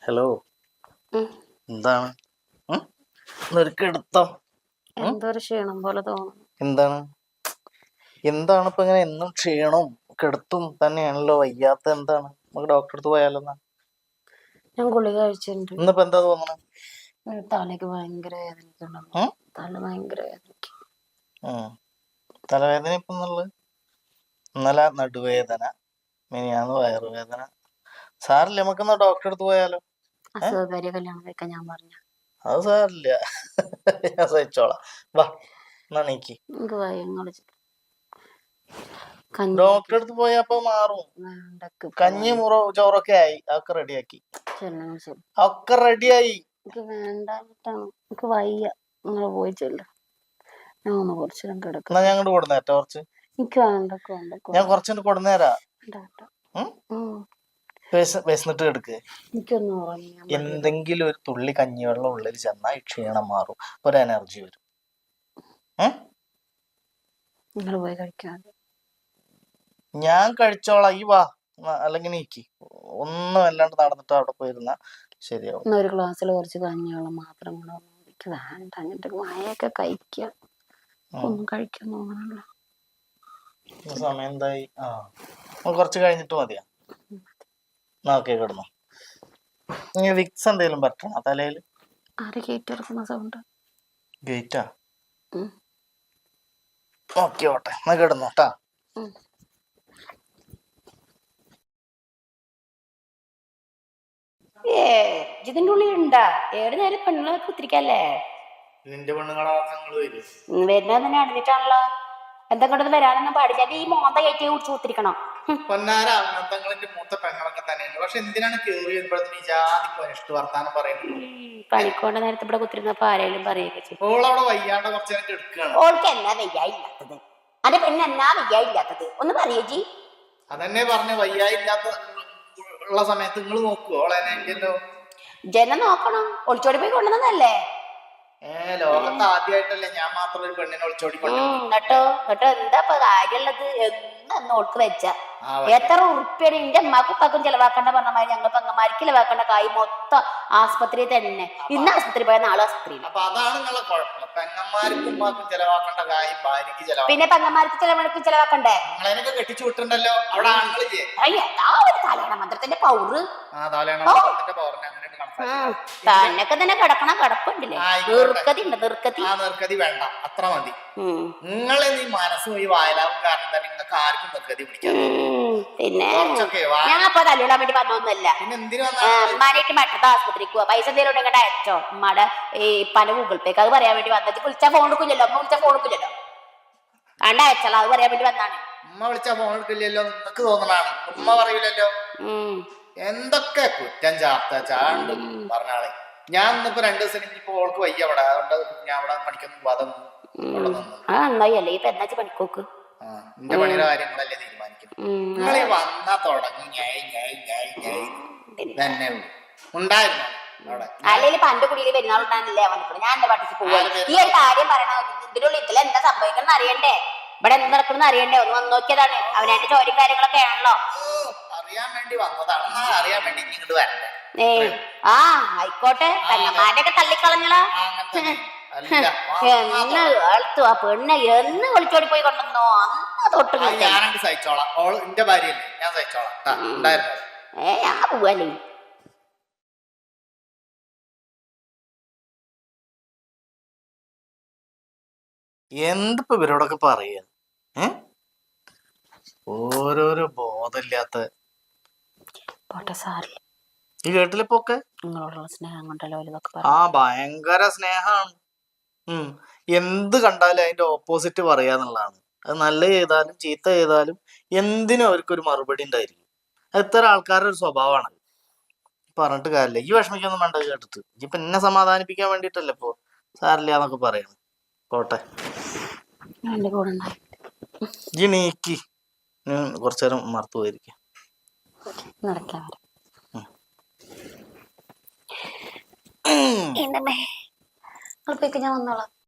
Hello, ഉം. എന്താണ്? നിനക്കെടുത്തോ? എന്തോ ഒരു ക്ഷീണം പോലെ തോന്നുന്നു. എന്താണ് എന്താണ് ഇപ്പൊ ഇങ്ങനെ എന്നും ക്ഷീണവും കിടത്തും തന്നെയാണല്ലോ? വയ്യാത്ത എന്താണ്? നമുക്ക് ഡോക്ടറെ അടുത്ത് പോയാലോ എന്നാ? ഞാൻ ഗുളിക കഴിച്ചിട്ടുണ്ട്. ഇന്നിപ്പോ എന്താ തോന്നണേ? തലയ്ക്ക് ഭയങ്കര വേദനിക്കുന്നുണ്ടോ? തല ഭയങ്കര വേദനിക്കും. തലവേദന ഇപ്പൊ എന്നുള്ളത്? ഇന്നലെ നടുവേദന, മിനിയാന്ന് വയറുവേദന. സാറില്ല, നമുക്കെന്നാ ഡോക്ടറെ അടുത്ത് പോയാലോ? അസുഖകാരിയെ കല്യാണം കഴിക്കാൻ ഞാൻ പറഞ്ഞു. അത് സാറില്ല, ഞാൻ സഹിച്ചോളാം. വാ, എന്നാ നീക്കി. എനിക്ക് ഭയങ്കര ഡോക്ടറെ അടുത്ത് പോയാ അപ്പൊ മാറും. കഞ്ഞി മുറോ ചോറൊക്കെ ആയി, അതൊക്കെ റെഡിയാക്കി. ഒക്കെ റെഡിയായി. എനിക്ക് വേണ്ടായിട്ടാണ്, എനിക്ക് വയ്യ. നിങ്ങൾ പോയി ചെല്ല, ഞാൻ ഒന്ന് കുറച്ചു നേരം കിടക്കാം. എന്നാ ഞാൻ അങ്ങോട്ട് കൊടുന്നേരാ കുറച്ച്. എനിക്ക് വേണ്ട. ഞാൻ കുറച്ചു കൊടുന്നേരാ. വിശന്നിട്ട് കിടക്ക്. എന്തെങ്കിലും ഒരു തുള്ളി കഞ്ഞിവെള്ളം ഉള്ളിൽ ചെന്നാൽ ക്ഷീണം മാറും, ഒരു എനർജി വരും. നിങ്ങൾ പോയി കഴിക്കാതെ. ഞാൻ കഴിച്ചോളാം, ഈ വാ. അല്ലെങ്കിൽ നീക്കി ഒന്നും അല്ലാണ്ട് നടന്നിട്ട് അവിടെ പോയിരുന്ന ശരിയാവും. ഒരു ഗ്ലാസ്സിൽ കുറച്ച് കഞ്ഞിവെള്ളം മാത്രം എനിക്ക് വേണ്ട. എന്നിട്ട് മഴയൊക്കെ കഴിക്കുക, ഒന്നും കഴിക്കാൻ തോന്നണല്ലോ. സമയം എന്തായി? കുറച്ച് കഴിഞ്ഞിട്ട് മതിയാ. ഓക്കെ, കിടന്നു. വിക്സ് എന്തെങ്കിലും പറ്റണോ തലയില്? ആര് ഗേറ്റ് തുറക്കുന്ന സൗണ്ട്? ഗേറ്റാ? ഓക്കെ, ഓട്ടെ, എന്നാ കിടന്നു കേട്ടാ. ഇതിന്റെ ഉള്ളിൽ ഉണ്ടാ? ഏത് നേരം പെണ്ണുങ്ങളെ കുത്തിരിക്കല്ലേ? നിന്റെ പെണ്ണുങ്ങളാ വരുന്നത് തന്നെ അടഞ്ഞിട്ടാണല്ലോ. എന്തെങ്കിലും വരാനൊന്നും പാടില്ല. ഈ മോന്ത കയറ്റി കുറിച്ച് കുത്തിരിക്കണം. മൂത്ത പെങ്ങളൊക്കെ തന്നെയാണ്. പക്ഷെ എന്തിനാണ് കേറി വരുമ്പോഴത്തേക്ക് ജാതിക്ക് അനിഷ്ട വർത്താനം പറയുന്നത്? പണിക്കോണ്ട നേരത്തെ ഇവിടെ കുത്തിരുന്നപ്പോ ആരെങ്കിലും പറയുകയൊക്കെ ചെയ്യും. ഓളവിടെ വയ്യാണ്ട് കുറച്ചു നേരം എടുക്കുകയാണ്. ഓൾക്ക് എന്നാ വയ്യായില്ലാത്തത്? അന്റെ പെണ്ണ് എന്നാ വയ്യായില്ലാത്തത് ഒന്ന് പറയേജി. അതന്നെ പറഞ്ഞ വയ്യായില്ലാത്ത ഉള്ള സമയത്ത് നിങ്ങൾ നോക്കുവോ ഓളെ? ജനം നോക്കണം. ഒളിച്ചോടി പോയി കൊണ്ടുവന്നതല്ലേ? ലോകത്ത് ആദ്യമായിട്ടല്ലേ ഞാൻ മാത്രം ഒരു പെണ്ണിനെ ഒളിച്ചോടി എന്നിട്ടോ എന്താ കാര്യമുള്ളത്? എന്നും ഓൾക്ക് വെച്ച എത്ര ഉറുപ്പ്യാണ് എന്റെ അമ്മക്കും ഉപ്പാക്കും ചെലവാക്കേണ്ട പറഞ്ഞ മാതിരി ഞങ്ങൾ പെങ്ങന്മാർക്ക് ചെലവാക്കേണ്ട കായ് മൊത്തം ആസ്പത്രി തന്നെ. ഇന്ന് ആസ്പത്രി പോയ നാളെ ആസ്പത്രിയിൽ. പിന്നെ പെങ്ങന്മാർക്ക് ചെലവാക്കണ്ടേ? കെട്ടിച്ചു വിട്ടുണ്ടല്ലോ അവിടെ ആളുകളില്ലേ? കല്യാണ മന്ത്രത്തിന്റെ പൗറ് തന്നൊക്കെ തന്നെ കിടക്കണ കിടപ്പുണ്ടല്ലേ? നിർക്കതി വേണ്ട, അത്ര മതി. നിങ്ങളെ നീ മനസ്സും ഈ വായലാവും കാരണം തന്നെ നിങ്ങൾക്ക് ആർക്കും നിർക്കതി പിടിക്കാം. പിന്നെ ഞാൻ അപ്പൊ തല്ലിടാൻ വേണ്ടി പറഞ്ഞൊന്നുമല്ല. ഉമ്മാനായിട്ട് മറ്റത്തെ ആസ്പത്രിക്ക് പോവാ. പൈസ എന്തെങ്കിലും ഉണ്ടെങ്കിൽ അയച്ചോ. ഉമ്മയുടെ ഈ പല ഗൂഗിൾ പേക്ക് അത് പറയാൻ വേണ്ടി വന്നത്. വിളിച്ചാ ഫോൺ എടുക്കില്ലല്ലോ, അമ്മ വിളിച്ചാ ഫോൺ എടുക്കില്ലല്ലോ. കണ്ട അയച്ചോളാം, അത് പറയാൻ വേണ്ടി വന്നാണ്. ഉമ്മ വിളിച്ചാ ഫോൺ എടുക്കില്ലല്ലോ നിങ്ങക്ക് തോന്നണാണ്, ഉമ്മ പറയൂലല്ലോ. എന്തൊക്കെ കുറ്റം ചാണ്ട് പറഞ്ഞാളെ. ഞാൻ ഇന്നിപ്പോ 2 ദിവസം ഇനിയിപ്പോ ഓൾക്ക് വയ്യ അവിടെ, അതുകൊണ്ട് ഞാൻ അവിടെ പണിക്കൊന്നും പോകാതെ നന്നായി. ഇപ്പൊ എന്നാ പണിക്കോക്ക്? എന്റെ പണിയുടെ കാര്യങ്ങളല്ലേ തീരുമാനിക്കുന്നത്. നിങ്ങൾ വന്നാ തുടങ്ങി തന്നെ ഉണ്ടായിരുന്നു അവിടെ. അല്ലെങ്കിൽ പണ്ട് കുടിയിൽ പെരുന്നാളുണ്ടായിരുന്നില്ലേ വന്നിട്ട് ഞാൻ എന്റെ പാട്ടിക്ക് പോവാ. ഈ ഒരു കാര്യം പറയണ ഇതിനുള്ളിൽ ഇതിൽ എന്താ സംഭവിക്കണം അറിയണ്ടേ? ഇവിടെ എന്ത് നടക്കണം അറിയണ്ടേ? ഒന്ന് വന്ന് നോക്കിയതാണ്. അവനായിട്ട് ജോലിയും കാര്യങ്ങളൊക്കെ ആണല്ലോ. അറിയാൻ വേണ്ടി വന്നതാണ്, അറിയാൻ വേണ്ടി ഇങ്ങോട്ട് വരണ്ടേ? ആയിക്കോട്ടെ. പെണ്ണന്മാരുടെ ഒക്കെ തള്ളിക്കളഞ്ഞളാ. എന്ന് കേൾത്തു ആ പെണ്ണ് എന്ന് വിളിച്ചോടി പോയി കൊണ്ടുവന്നോ അന്ന് തൊട്ട് ഞാനങ്ങ് സഹിച്ചോളാം. എന്റെ ഭാര്യയല്ലേ, ഞാൻ സഹിച്ചോളാം. ഞാൻ പോവല്ലേ. എന്തിപ്പോ ഇവരോടൊക്കെ പറയാ? ഓരോരോ ബോധമില്ലാത്ത. ഈ കേട്ടിലിപ്പൊക്കെ സ്നേഹം കൊണ്ടല്ലോ. ഭയങ്കര സ്നേഹാണ്. എന്ത് കണ്ടാലും അതിന്റെ ഓപ്പോസിറ്റ് പറയാന്നുള്ളതാണ്. അത് നല്ല ചെയ്താലും ചീത്ത ചെയ്താലും എന്തിനും അവർക്കൊരു മറുപടി ഉണ്ടായിരിക്കും. എത്ര ആൾക്കാരുടെ ഒരു സ്വഭാവമാണ്. പറഞ്ഞിട്ട് കാര്യമില്ല. ഈ വിഷമിക്കൊന്നും വേണ്ട കേട്ടിട്ട്. ഇപ്പൊ എന്നെ സമാധാനിപ്പിക്കാൻ വേണ്ടിട്ടല്ലേ ഇപ്പൊ സാരില്ല എന്നൊക്കെ പറയണം. പോട്ടെ, ഈ നീക്കി കുറച്ചു നേരം മറത്തു പോയിരിക്കും. ഞാൻ വന്നോളാം.